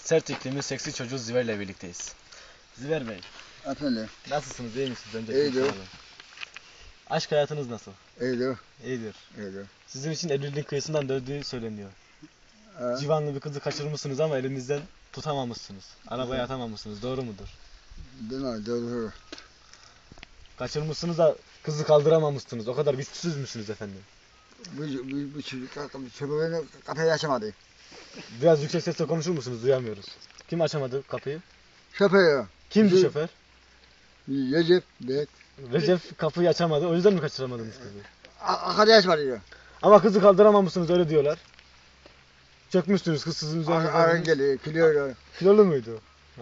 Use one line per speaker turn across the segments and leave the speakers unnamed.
Sert iklimin seksi çocuğu Ziver ile birlikteyiz. Ziver Bey,
Efendim,
nasılsınız, iyi misiniz? Önce
İyidir.
soralım. Aşk hayatınız nasıl?
iyidir,
İyidir.
iyidir.
Sizin için evliliğin kıyısından döndüğü söyleniyor.
Ha,
Civanlı bir kızı kaçırmışsınız ama elinizden tutamamışsınız. Arabaya atamamışsınız, doğru mudur?
doğru.
Kaçırmışsınız da kızı kaldıramamışsınız. O kadar güçsüz müsünüz efendim?
Bu çocuk köpeğini kafayı açamadı.
Biraz yüksek sesle konuşur musunuz? Duyamıyoruz. Kim açamadı kapıyı?
Şoför,
Kimdi
Bizi-
şoför?
Recep, Bek,
Recep kapıyı açamadı. O yüzden mi kaçıramadınız kızı?
kafayı açmadı diyor.
Ama kızı kaldıramamışsınız, öyle diyorlar. Çökmüşsünüz, kız sizin üzerine.
Arın geliyor, kilıyor.
Kilolu muydu? Ha.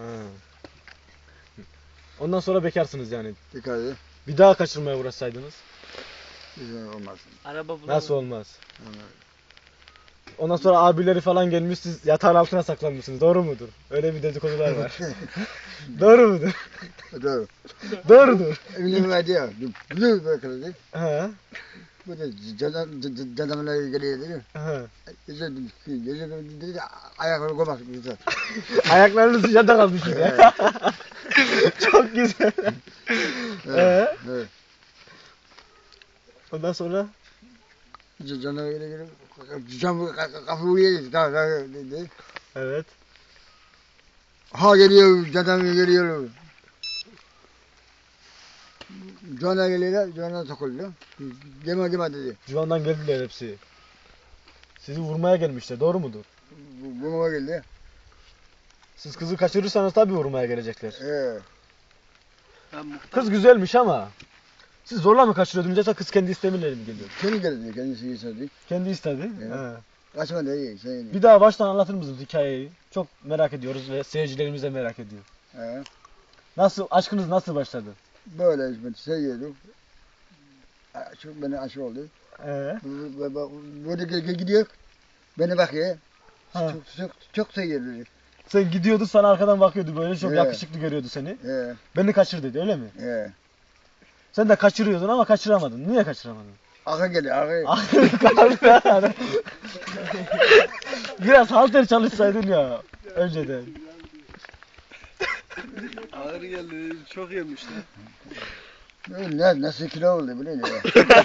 Ondan sonra bekarsınız yani.
Dikkat edin.
Bir daha kaçırmaya uğraşsaydınız
Güzel olmaz.
Araba bulamadım.
nasıl olmaz? Ondan sonra abileri falan gelmiş, siz yatağın altına saklanmışsınız. Doğru mudur? Öyle bir dedikodular var. Doğru mudur?
Doğru.
Doğrudur.
Evine verdi ya. Bunu bırakırdı.
Ha.
Bu da canımla geliyor dedi.
Ha.
Recep dedi, ayakları koymaz güzel.
Ayaklarınız sıcakta kalmış gibi. Çok güzel.
Evet. Evet.
Ondan sonra
Canım geliyor. Cam kafayı uyuyor dedi.
evet.
Ha geliyor, canım geliyor. Cana geliyor, cana takılıyor. Deme dedi.
Civan'dan geldiler hepsi. Sizi vurmaya gelmişler. Doğru mudur?
Buna geldi.
Siz kızı kaçırırsanız tabii vurmaya gelecekler.
Ben muhtar.
Kız güzelmiş ama siz zorla mı kaçırıyordunuz yoksa kız kendi istemiyle mi geliyor?
Kendi geldi, kendisi istedi.
Kendi istedi.
Evet.
Ha.
Kaçma dedi, şey.
Bir daha baştan anlatır mısınız hikayeyi? Çok merak ediyoruz ve seyircilerimiz de merak ediyor. Nasıl, aşkınız nasıl başladı?
Böyle şey yedim. Çok beni aşık oldu. Böyle gidiyor. Beni bakıyor.
Ha.
Çok seviyor.
Sen gidiyordun, sana arkadan bakıyordu böyle, çok
Evet.
yakışıklı görüyordu seni.
Evet,
Beni kaçır dedi, öyle mi?
evet.
Sen de kaçırıyordun ama kaçıramadın. Niye kaçıramadın?
Akı geliyor, akı.
Aklını kaldı yani. Biraz halter çalışsaydın ya önceden.
Ağır geldi. Çok yemişler.
Nasıl kilo oldu biliyor musun?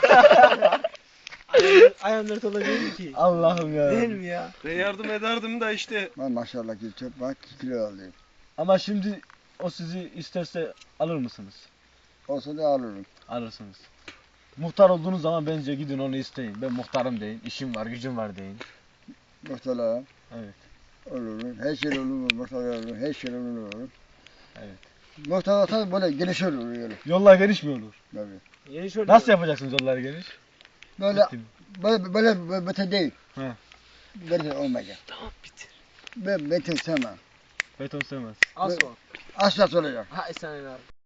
Ayağımları olabilir ki.
Allah'ım ya.
Değil mi ya? Ben yardım ederdim de işte.
Maşallah ki çok bak kilo oldu.
Ama şimdi o sizi isterse alır mısınız?
Olsa da alırım.
Alırsınız. Muhtar olduğunuz zaman bence gidin onu isteyin. Ben muhtarım deyin. İşim var, gücüm var deyin.
Muhtarlar.
Evet.
Olur. Her şey olur. Muhtarlar olur. Her şey olur.
Evet.
Muhtar olsa böyle geniş olur. Böyle.
Yollar geniş mi olur?
Tabii.
Yeni şöyle.
Nasıl yapacaksınız yolları geniş?
Böyle
Bittim.
böyle beton değil.
He.
Beton olmayacak.
Tamam bitir.
Ben beton sevmem.
Beton sevmez.
Az var.
Asfalt olacak.
Ha sen abi.